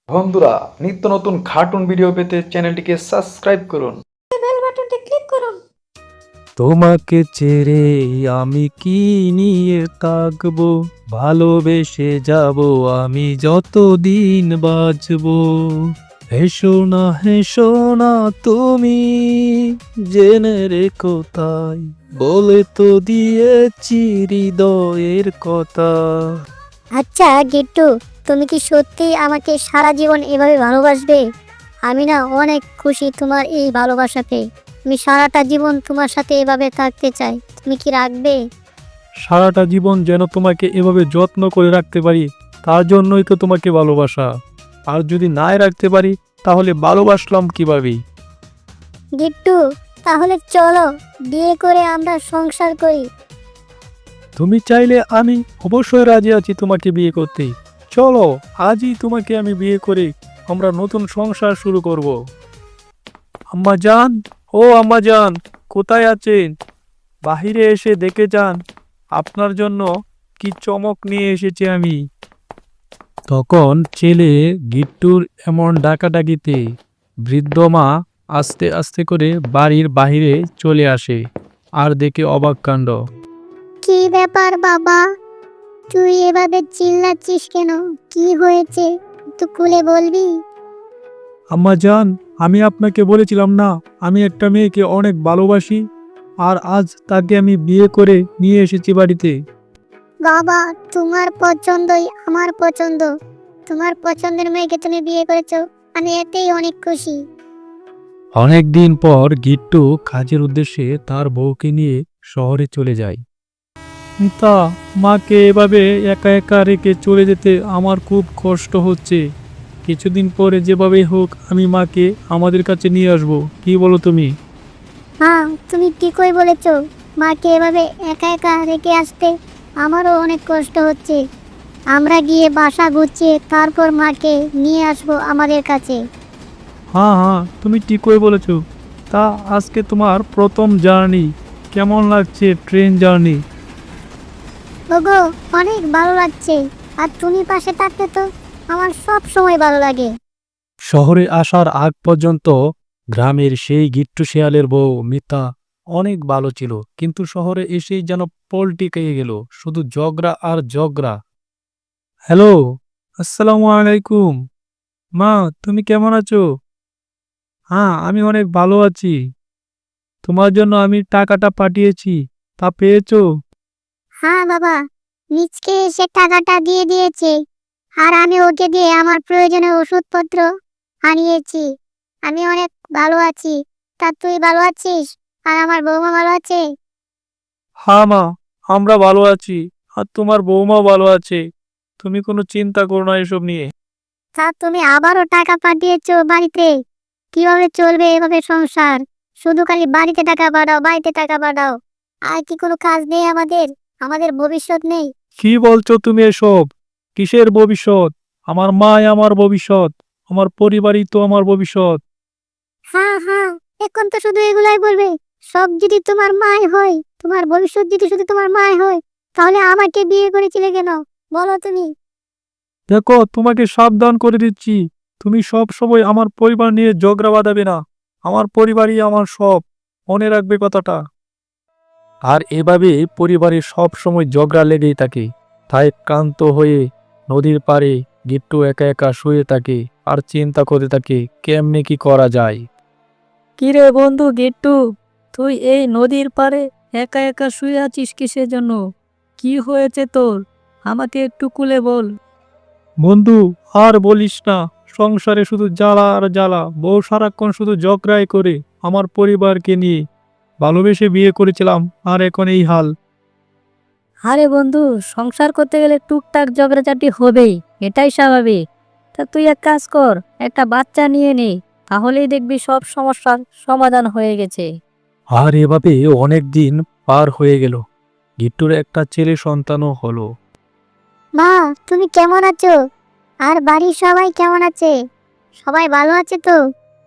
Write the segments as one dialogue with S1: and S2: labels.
S1: বন্ধুরা, নিত্য নতুন কার্টুন ভিডিও পেতে চ্যানেলটিকে সাবস্ক্রাইব করুন।
S2: বেল বাটনটি ক্লিক করুন।
S3: তোমাকে ছেড়ে আমি কি নিয়ে থাকবো, ভালোবেসে যাব আমি যতদিন বাঁচবো। হেসো না তুমি, জেনে রেখো তাই বলে তো দিয়েছি হৃদয়ের কথা।
S2: আচ্ছা গিট্টু, তুমি কি সত্যি আমাকে সারা জীবন এভাবে ভালোবাসবে? আমি না অনেক খুশি তোমার এই ভালোবাসাতে। আমি সারাটা জীবন তোমার সাথে এভাবে থাকতে চাই। তুমি কি রাখবে?
S3: সারাটা জীবন যেন তোমাকে এভাবে যত্ন করে রাখতে পারি, তার জন্যই তো তোমাকে ভালোবাসা। আর যদি নাই রাখতে পারি তাহলে ভালোবাসলাম কিভাবে?
S2: গিট্টু, তাহলে চলো বিয়ে করে আমরা সংসার করি।
S3: তুমি চাইলে আমি অবশ্যই রাজি আছি তোমাকে বিয়ে করতে। চলো আজই তোমাকে আমি বিয়ে করে আমরা নতুন সংসার শুরু করব। আম্মা জান, ও আম্মা জান, কোথায় আছেন? বাহিরে এসে দেখে যান, আপনার জন্য কি চমক নিয়ে এসেছি আমি। তখন ছেলে গিট্টুর এমন ডাকাডাকিতে বৃদ্ধ মা আস্তে আস্তে করে বাড়ির বাহিরে চলে আসে আর দেখে অবাক কাণ্ড।
S2: কি ব্যাপার বাবা, তুই এভাবে চিল্লাচ্ছিস কেন? কি হয়েছে একটু খুলে বলবি?
S3: আম্মা জান, আমি আপনাকে বলেছিলাম না আমি একটা মেয়েকে অনেক ভালোবাসি, আর আজ তাকে আমি বিয়ে করে নিয়ে এসেছি বাড়িতে।
S2: বাবা, তোমার পছন্দই আমার পছন্দ। তোমার পছন্দের মেয়েকে তুমি বিয়ে করেছো, আমি এতেই অনেক খুশি।
S3: অনেক দিন পর গিট্টু কাজের উদ্দেশ্যে তার বউকে নিয়ে শহরে চলে যায়। মিতা, মাকে এভাবে একা একা রেখে চলে যেতে আমার খুব কষ্ট হচ্ছে। কিছুদিন পরে যেভাবে হোক আমি মাকে আমাদের কাছে নিয়ে আসব, কি বলো তুমি?
S2: হ্যাঁ, তুমি ঠিকই বলেছো। মাকে এভাবে একা একা রেখে আসতে আমারও অনেক কষ্ট হচ্ছে। আমরা গিয়ে বাসা গুছিয়ে তারপর মাকে নিয়ে আসবো আমাদের কাছে।
S3: হ্যাঁ হ্যাঁ, তুমি ঠিকই বলেছো। তা আজকে তোমার প্রথম জার্নি কেমন লাগছে, ট্রেন জার্নি?
S2: ওগো, অনেক ভালো লাগছে। আর তুমি পাশে থাকতে তো আমার সব সময় ভালো লাগে।
S3: শহরে আসার আগ পর্যন্ত গ্রামের সেই গিট্টু শেয়ালের বউ মিতা অনেক ভালো ছিল, কিন্তু শহরে এসেই যেন পল্টি খেয়ে গেল, শুধু ঝগড়া আর ঝগড়া। হ্যালো, আসসালামু আলাইকুম। মা, তুমি কেমন আছো? হ্যাঁ, আমি অনেক ভালো আছি। তোমার জন্য আমি টাকাটা পাঠিয়েছি, তা পেয়েছো?
S2: হ্যাঁ বাবা, নিচকে এসে টাকাটা দিয়ে দিয়েছে। আর আমি ওকে দিয়ে আমার প্রয়োজনীয় ওষুধপত্র আনিয়েছি। আমি অনেক ভালো আছি। তা তুই ভালো আছিস? আর আমার বৌমা ভালো আছে?
S3: হ্যাঁ মা, আমরা ভালো আছি। আর তোমার বৌমাও ভালো আছে। তুমি কোনো চিন্তা করো না এসব নিয়ে।
S2: তা তুমি আবারও টাকা পাঠিয়েছো বাড়িতে? কিভাবে চলবে এভাবে সংসার? শুধু খালি বাড়িতে টাকা পাঠাও, বাড়িতে টাকা পাঠাও। আর কি কোনো কাজ নেই আমাদের? আমাদের ভবিষ্যৎ নেই?
S3: কি বলছো তুমি এসব? কিসের ভবিষ্যৎ? আমার মাই আমার ভবিষ্যৎ। আমার পরিবারই তো আমার ভবিষ্যৎ।
S2: হ্যাঁ হ্যাঁ, এখন তো শুধু এগুলাই বলবে। সব যদি তোমার মাই হয়, তোমার ভবিষ্যৎ যদি শুধু তোমার মাই হয়, তাহলে আমাকে বিয়ে করেছিলে কেন? বলো তুমি।
S3: দেখো, তোমাকে সাবধান করে দিচ্ছি, তুমি সব সময় আমার পরিবার নিয়ে ঝগড়া বাঁধাবে না। আমার পরিবারই আমার সব, মনে রাখবে কথাটা। আর এভাবে পরিবারে সব সময় ঝগড়া লেগেই থাকে। তাই ক্লান্ত হয়ে নদীর পাড়ে গিট্টু একা একা শুয়ে থাকে আর চিন্তা করতে থাকে কেমনে কি করা যায়।
S4: কিরে বন্ধু গিট্টু, তুই এই নদীর পাড়ে একা একা শুয়ে আছিস কিসের জন্য? কি হয়েছে তোর? আমাকে একটু খুলে বল।
S3: বন্ধু, আর বলিস না, সংসারে শুধু জ্বালা আর জ্বালা। বউ সারাক্ষণ শুধু ঝগড়াই করে আমার পরিবারকে নিয়ে। ভালোবেসে বিয়ে করেছিলাম, আর এখন এই হাল।
S4: আরে বন্ধু, সংসার করতে গেলে টুকটাক ঝগড়াঝাটি হবেই, এটাই স্বাভাবিক। তা তুই এক কাজ কর, একটা বাচ্চা নিয়ে নে, তাহলেই দেখবি সব সমস্যার সমাধান হয়ে গেছে।
S3: আর এভাবে অনেক দিন পার হয়ে গেল। গিট্টুর একটা ছেলে সন্তানও হলো।
S2: মা, তুমি কেমন আছো? আর বাড়ির সবাই কেমন আছে? সবাই ভালো আছে তো?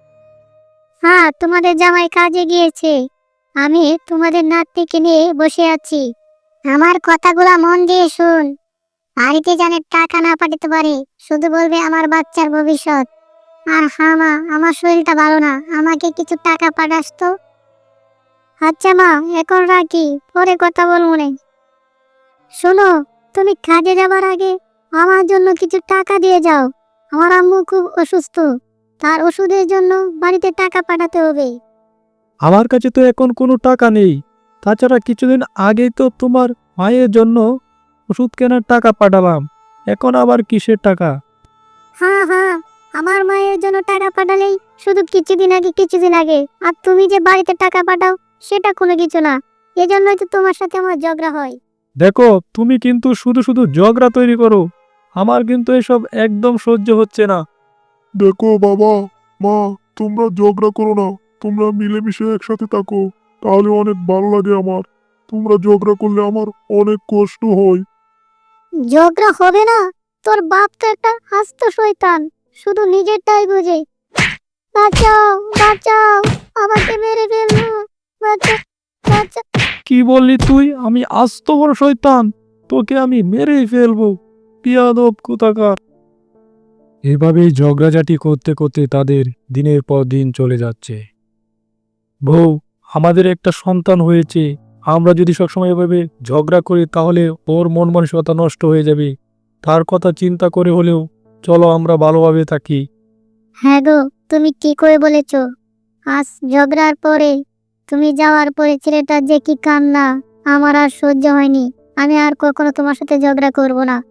S2: হ্যাঁ, তোমাদের জামাই কাজে গিয়েছে। আমি তোমাদের নাতনিকে নিয়ে বসে আছি। আমার কথাগুলা মন দিয়ে শুন। বাড়িতে জানে টাকা না পাঠাতে পারে, শুধু বলবে আমার বাচ্চার ভবিষ্যৎ। আর হ্যাঁ মা, আমার শরীরটা ভালো না, আমাকে কিছু টাকা পাঠাস তো। আচ্ছা মা, এখন রাখি, পরে কথা বলবো নে। শোনো, তুমি কাজে যাবার আগে আমার জন্য কিছু টাকা দিয়ে যাও। আমার আম্মু খুব অসুস্থ, তার ওষুধের জন্য বাড়িতে টাকা পাঠাতে হবে।
S3: আমার কাছে তো এখন কোনো টাকা নেই। তাছাড়া কিছুদিন আগেই তো তোমার মায়ের জন্য ওষুধ কেনার টাকা পাঠালাম। এখন আবার কিসের টাকা?
S2: হ্যাঁ হ্যাঁ, আমার মায়ের জন্য টাকা পাঠালেই শুধু কিছুদিন আগে। আর তুমি যে বাড়িতে টাকা পাঠাও সেটা কোনো কিছু না। এজন্যই তো তোমার সাথে আমার ঝগড়া হয়।
S3: দেখো, তুমি কিন্তু শুধু শুধু ঝগড়া তৈরি করো। আমার কিন্তু এসব একদম সহ্য হচ্ছে না।
S5: দেখো বাবা, মা, তোমরা ঝগড়া করো না। তোমরা মিলেমিশে একসাথে থাকো, তাহলে অনেক ভালো লাগে আমার। তোমরা ঝগড়া করলে আমার অনেক কষ্ট হয়।
S2: ঝগড়া হবে না? তোর বাপ তো একটা আস্ত শয়তান, শুধু নিজেরটাই বোঝে। বাঁচাও বাঁচাও, আমাকে মেরে ফেললো, বাঁচাও বাঁচাও।
S3: কি বললি তুই? আমি আস্ত বড় শয়তান? তোকে আমি মেরেই ফেলবো, বিয়াদব কোথাকার। এভাবেই ঝগড়াঝাটি করতে করতে তাদের দিনের পর দিন চলে যাচ্ছে। বউ, আমাদের একটা সন্তান হয়েছে। আমরা যদি সবসময় এভাবে ঝগড়া করি তাহলে ওর মন মানসিকতা নষ্ট হয়ে যাবে। তার কথা চিন্তা করে হলেও চলো আমরা ভালোভাবে থাকি।
S2: হ্যাঁ গো, তুমি কি করে বলেছ। আজ ঝগড়ার পরে, তুমি যাওয়ার পরে ছেলেটার যে কি কান্না, আমার আর সহ্য হয়নি। আমি আর কখনো তোমার সাথে ঝগড়া করব না।